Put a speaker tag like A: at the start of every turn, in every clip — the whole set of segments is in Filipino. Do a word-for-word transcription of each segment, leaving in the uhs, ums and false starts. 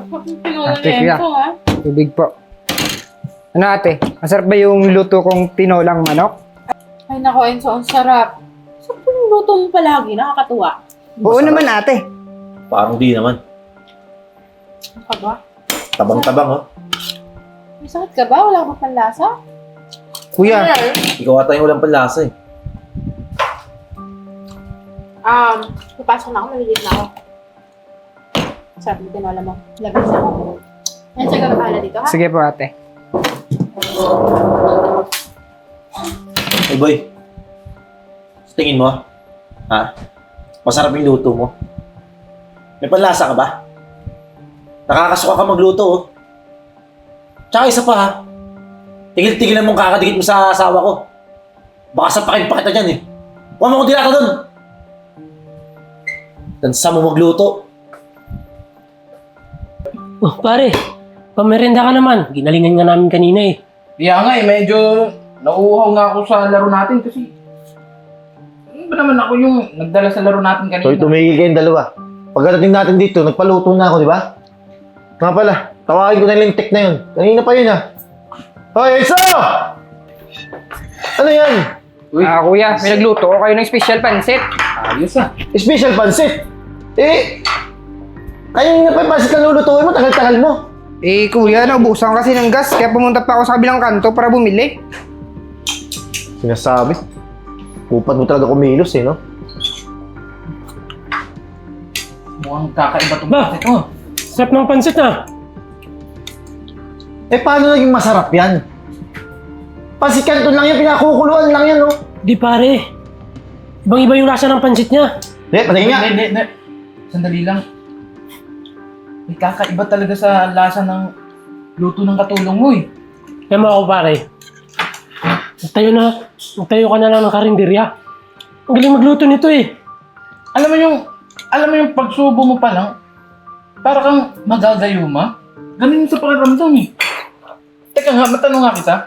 A: Ate, kuya. Tubig po. Ano ate? Masarap ba yung luto kong tinolang manok?
B: Ay nako, Enzo, ang sarap. Sarap yung luto mo palagi, nakakatuwa.
A: Oo naman ate.
C: Parang di naman.
B: Ano ka ba?
C: Tabang-tabang, oh.
B: May sakit ka ba? Wala ka ba panlasa?
A: Kuya,
C: Ikaw ata yung walang panlasa, eh.
B: Um, papasok na ako, malilid na ako. Sarap yung tinola mo. Labis ako. Yan, siya ka bahala dito, ha?
A: sige po ate.
C: Hey, boy. Sa tingin mo, ha? Masarap yung luto mo. May panlasa ka ba? Nakakasuka ka magluto, oh. Tsaka isa pa, ha? Tigil-tigilan mong kakadikit mo sa asawa ko. Baka sapakin pa kita dyan, eh. Huwag mo kong dilata dun! Tansa mo magluto.
D: Oh, pare, pamerenda ka naman. Ginalingan nga namin kanina eh.
E: Kaya nga eh, medyo nauuhaw nga ako sa laro natin kasi ano ba naman ako yung nagdala sa laro natin kanina?
C: Hoy, tumigil kayong dalawa. Pagdating natin dito, nagpaluto na ako, di ba? Nga pala, tawagin ko na yung tech na yun. Kanina pa yun, ha? Hoy, Enzo! Ano yan?
E: Uy,
A: Ah kuya, may nagluto ko kayo ng special pansit.
E: ayos ah.
C: Special pansit. Eh, kanina pa yung pansit na lulutuin mo, tagal-tagal mo.
A: Eh kuya, naubusan kasi ng gas kaya pumunta pa ako sa kabilang kanto para bumili.
C: Sinasabi. Upat mo talaga kumilos, eh, no?
E: Mukhang kakaiba itong
D: Ba?
E: pansit mo.
D: Sarap ng pansit na.
C: Eh, paano naging masarap yan? Pansit kanton lang yan, pinakukuluan lang yan, no?
D: Di pare. Ibang iba yung lasa ng pansit niya.
C: Eh, patingin nga.
E: Hindi, hindi, hindi. Sandali lang. May kakaiba talaga sa lasa ng luto ng katulong mo eh.
D: Kaya mo ako pare. Magtayo na. Magtayo ka na lang ng karinderya. Ang galing magluto nito eh.
E: Alam mo yung, alam mo yung pagsubo mo pa lang, para kang magagayuma. Ganun yung sa pakiramdam eh. Teka nga, matanong nga kita.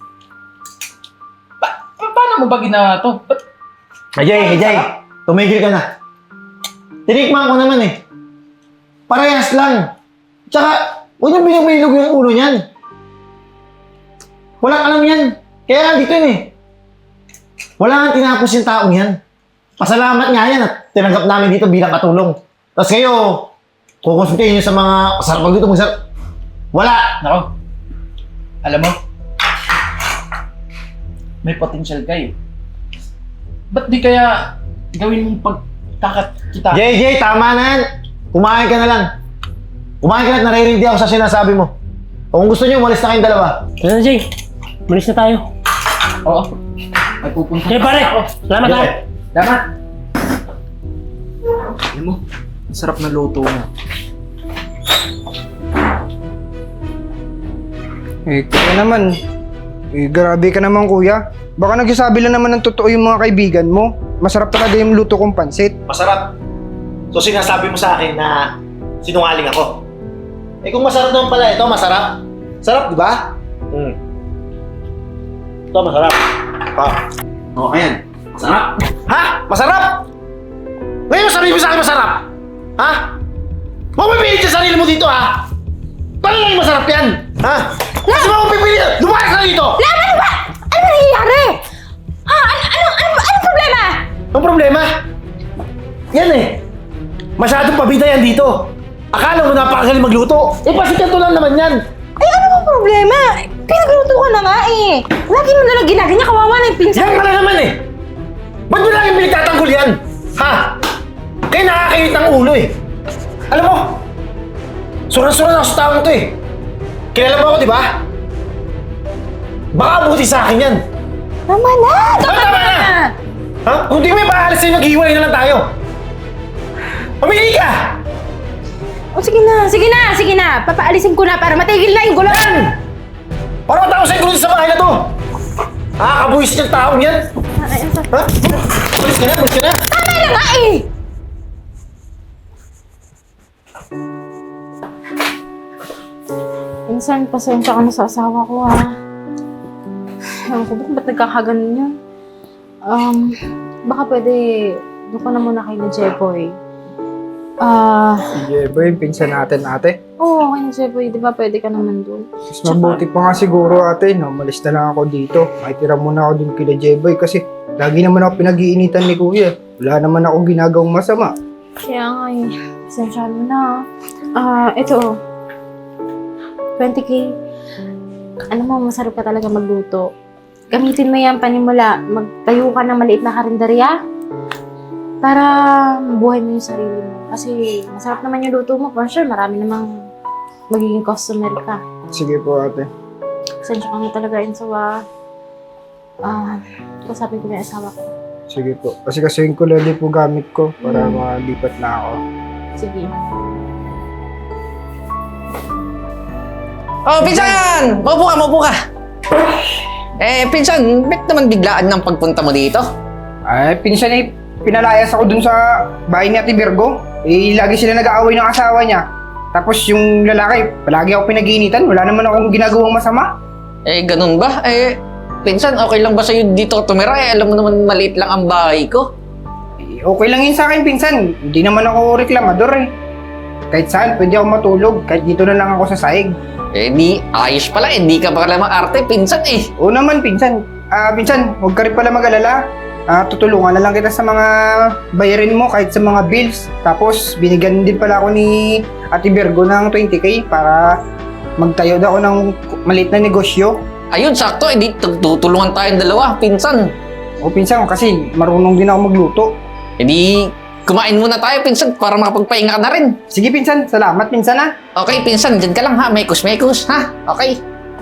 E: Pa pa- paano mo ba ginawa to? Ba't
C: Ajay, Ajay, tumigil ka na. Tinikman ko naman eh. Parehas lang. Tsaka, huwag niyong binabilog yung ulo niyan. Walang alam yan. Kaya nga dito yun eh. Wala nga tinapos yung taong yan. Pasalamat nga yan at tinanggap namin dito bilang katulong. Tapos kayo, kukonsultahin niyo sa mga sarap magluto, masarap. Wala!
E: Nako. Alam mo, may potential ka eh. Ba't di kaya gawin mong pagkakat kita?
C: Jay, Jay, tama na yan. Kumain ka na lang. Kumain ka na at naririndi ako sa sinasabi mo. O kung gusto niyo, umalis na kayong dalawa.
D: Ano na Jay? Malis na tayo.
E: Oo. May pupunta.
D: Kaya pare. Salamat ha.
E: Dapat. Alam mo, ang sarap na luto mo.
A: Eh kuya naman. Eh grabe ka naman kuya. Baka nagsasabi lang naman ng totoo yung mga kaibigan mo. Masarap talaga yung luto kong pansit.
C: Masarap. So sinasabi mo sa akin na sinungaling ako. Eh kung masarap naman pala ito, masarap. Sarap, di ba? Hmm. Ito, masarap. Ha? O, ayan. Masarap. Ha? Masarap? Ngayon sabihin mo sa akin masarap? Ha? Huwag mo pipilit sa sarili mo dito, ha? Paano lang masarap yan? Ha? Kasi mo pipilit! Lumayas ka dito!
F: Lama, ano ba? Ano ba nangyayari? Ha? Ano, ano, ano, anong problema?
C: Ang problema? Yan eh. Masyadong pabida yan dito. Akala mo napakagaling magluto. Eh, pasikat lang naman yan.
F: Ay, ano bang problema? Pinagluto ka na nga eh. Lagi mo nalang ginaganyan, kawawa na yung pinsan.
C: Yan ka na naman eh. Ba't mo lagi pinagtatanggol yan? Ha? Kaya nakakainit ng ulo eh. Alam mo, suran-suran ako sa taong to eh. Kilala mo ako, di ba? Baka buti sa akin yan.
F: Tama na! Tama,
C: Ah, tama
F: na!
C: na! Ha? Kung di mo ipaalis sa'yo, maghihiwalay na lang tayo. Pamili ka!
F: O sige na, sige na, sige na. Papaalisin ko na para matigil na yung gulo.
C: Yan! Parang matao sa'yo gulo sa bahay na to. Nakakabuhis niyang taong yan.
F: Ay, ay,
C: Ha? Bulis ka na, bulis ka na.
F: Tama na nga eh!
B: Minsan, pasensya ka na sa asawa ko, ha? Ewan ko, ba't nagkakaganon yun? Um, baka pwede, doon ka na muna kay na Jeboy. Ah,
A: Si Jeboy, pinsan natin ate.
B: oo, okay na siya, boy. Di ba pwede ka naman doon?
A: Mas mabuti pa nga siguro ate, no? Malis na lang ako dito. Makitira muna ako dun kila Jeboy kasi lagi naman ako pinag-iinitan ni kuya. Wala naman akong ginagawang masama.
B: Kaya nga eh. Pasensya mo na. Ah, ito. twenty K. Ano mo, masarap ka talaga magluto. Gamitin mo yan panimula. Magtayo ka ng maliit na karinderya. Para mabuhay mo yung sarili mo. Kasi masarap naman yung luto mo. For sure, marami namang magiging customer ka.
A: Sige po ate.
B: Pasensya ka nga talaga, Enzo, ah. Ah, kasabi ko na yung asawa ko.
A: Sige po. Kasi kasuhin ko lang din po gamit ko para
B: Hmm.
A: malipat na ako.
B: Sige.
G: Oh, pinsan! Maupo ka, maupo ka. Eh, pinsan, ba't naman biglaan ng pagpunta mo dito?
A: Ay, pinsan eh, pinalayas ako dun sa bahay ni Ate Virgo. Eh, lagi sila nag-aaway ng asawa niya. Tapos yung lalaki, palagi ako pinag-iinitan. Wala naman akong ginagawang masama.
G: Eh, ganun ba? Eh, pinsan, okay lang ba sa'yo dito tumira? Eh, alam mo naman maliit lang ang bahay ko.
A: Eh, okay lang yun sa akin, pinsan. Hindi naman ako reklamador eh. Kahit saan, pwede ako matulog. Kahit dito na lang ako sa sahig.
G: Eh, di, ayos pala. Eh, di ka pala maarte, pinsan eh.
A: Oo naman, pinsan. Ah, pinsan, huwag ka rin pala mag-alala. Ah, tutulungan na lang kita sa mga bayarin mo kahit sa mga bills. Tapos, binigyan din pala ako ni Ate Virgo ng twenty K para magtayo daw ako ng maliit na negosyo.
G: Ayun, sakto. Eh, di, tutulungan tayong dalawa, pinsan.
A: O pinsan, kasi marunong din ako magluto.
G: Eh, di, kumain muna tayo, pinsan, para makapagpahinga ka na rin.
A: Sige, pinsan. Salamat, pinsan ha.
G: Okay, pinsan, dyan ka lang ha. Mekos-mekos, ha? Okay.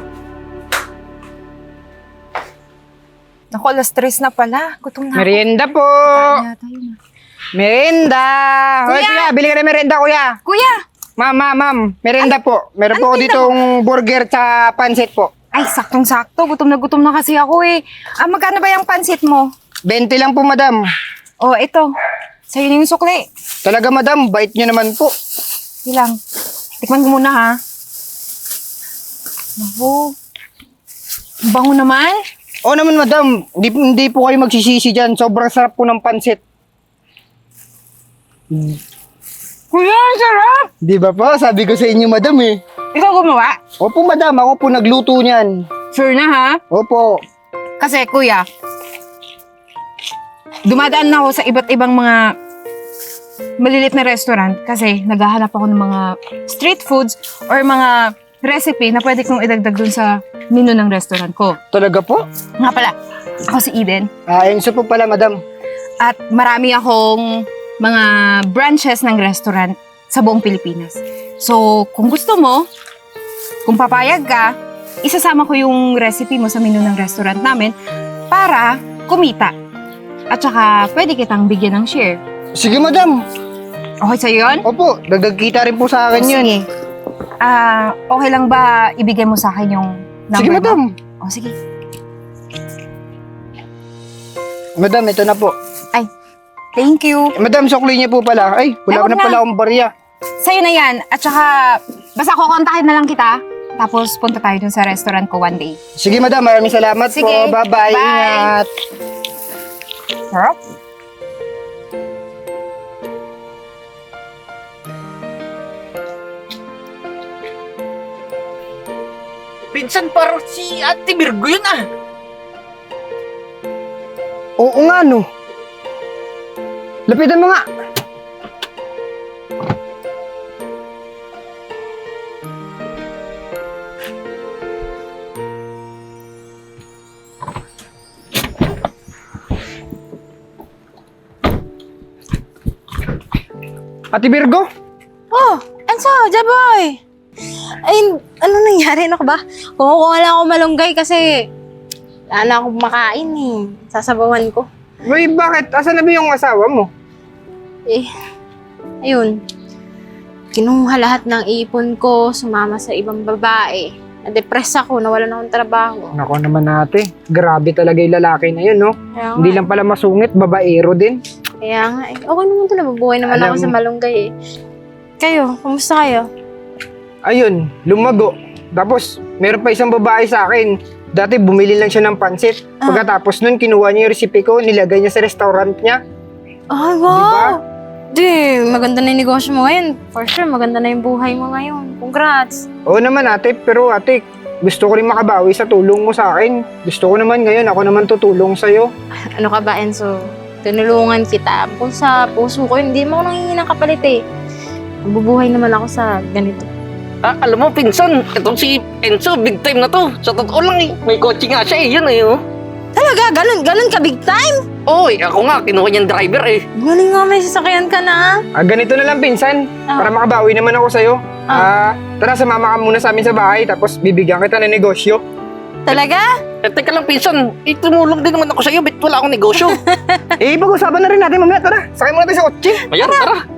F: Naku, alas tres na pala. Gutom na ako.
A: Merienda po!
F: Kaya tayo na.
A: Merienda! Hoy,
F: Kuya!
A: kuya, bili ka na merienda, kuya.
F: Kuya!
A: Ma'am, ma'am, ma'am. Merienda po. Meron
F: ano
A: po ako
F: tinda
A: ditong burger sa pansit po.
F: Ay, saktong-sakto. Gutom na gutom na kasi ako eh. Ah, magkano ba yung pansit mo?
A: twenty lang po, madam.
F: Oh, ito. Sa'yo na yung sukli.
A: Talaga, madam. Bait niyo naman po.
F: Ilang. Tikman ko muna ha. Naku. Ang bango naman.
A: Oo naman, madam. Hindi, hindi po kayo magsisisi dyan. Sobrang sarap po ng pansit.
F: Kuya, ang sarap!
A: Di ba po? Sabi ko sa inyo, madam eh.
F: Ikaw gumawa?
A: Opo, madam. Ako po nagluto niyan.
F: Sure na ha?
A: Opo.
F: Kasi kuya, dumadaan na ako sa iba't ibang mga malilit na restaurant kasi naghahanap ako ng mga street foods or mga recipe na pwede kong idagdag dun sa menu ng restaurant ko.
A: Talaga po?
F: Nga pala, ako si Eden
A: Ah, Enzo po pala, madam.
F: at marami akong mga branches ng restaurant sa buong Pilipinas. So, kung gusto mo, kung papayag ka, isasama ko yung recipe mo sa menu ng restaurant namin para kumita. At saka, pwede kitang bigyan ng share.
A: Sige, madam.
F: Okay sa'yo yun?
A: Opo, dagdag kita rin po sa akin
F: O,
A: yun.
F: sige. Ah, okay lang ba ibigay mo sa akin yung number
A: Sige,
F: mo?
A: madam.
F: O, sige.
A: Madam, ito na po.
F: Thank you.
A: Eh, madam, sukli niya po pala. Ay, wala
F: Ay,
A: ko
F: wag
A: na
F: na.
A: pala akong barya.
F: Sa'yo na yan. At saka, basta kukontakin na lang kita. Tapos, punta tayo dun sa restaurant ko one day.
A: Sige, madam. Maraming salamat
F: Sige.
A: po. Bye-bye.
F: Bye.
A: Ingat.
F: Sarap.
G: Pinsan, parang si Ate Virgo yun ah.
A: Oo nga, no. Lapitan mo nga. Ate Virgo?
B: Oh, Enzo, Jaboy! Ay, ano nangyari? Ano ka ba? Kumukuha lang ako malunggay kasi wala na akong makain eh. Sasabawan ko.
A: Uy, bakit? Asan na ba yung asawa mo?
B: Eh, ayun. Kinuha lahat ng ipon ko, sumama sa ibang babae. Na-depress ako, nawalan akong trabaho.
A: Nako naman ate. Grabe talaga yung lalaki na yun, no?
B: Kaya nga,
A: Hindi lang pala masungit, babaero din.
B: Kaya nga eh. Okay naman ito, nabubuhay naman
A: Alam
B: ako sa
A: mo-
B: malunggay eh. Kayo, kumusta kayo?
A: Ayun, lumago. Tapos, meron pa isang babae sa akin. Dati bumili lang siya ng pansit. Pagkatapos nun, kinuha niya yung recipe ko, nilagay niya sa restaurant niya.
B: Ay,
A: Di ba?
B: wow! Di, maganda na yung negosyo mo ngayon. For sure, maganda na yung buhay mo ngayon. Congrats!
A: Oo naman ate, pero ate, gusto ko rin makabawi sa tulong mo sa akin. Gusto ko naman ngayon, ako naman tutulong sa'yo.
B: Ano ka ba, Enzo? Tinulungan kita. Kung sa puso ko, hindi mo ako nanghihingi ng kapalit eh. Mabubuhay naman ako sa ganito.
G: Ah, alam mo, pinsan, itong si Enzo, big time na to. Sa totoo lang eh, may kotse nga siya eh, yun eh. Oh.
B: Talaga? Ganun, ganun ka big time?
G: Oy, ako nga, kinuha niyang driver eh.
B: Galing nga, may sasakyan ka na.
A: Ah, ganito na lang pinsan,
B: Ah.
A: para makabawi naman ako sa'yo. Ah, tara, sumama ka muna sa amin sa bahay, tapos bibigyan kita ng negosyo.
B: Talaga?
G: Eh, teka lang, pinsan, eh, tumulong din naman ako sa'yo, ba't wala akong negosyo?
A: Eh, pag-usapan na rin natin mamaya, tara. Sakay muna tayo sa kotse.
G: Ayan, tara.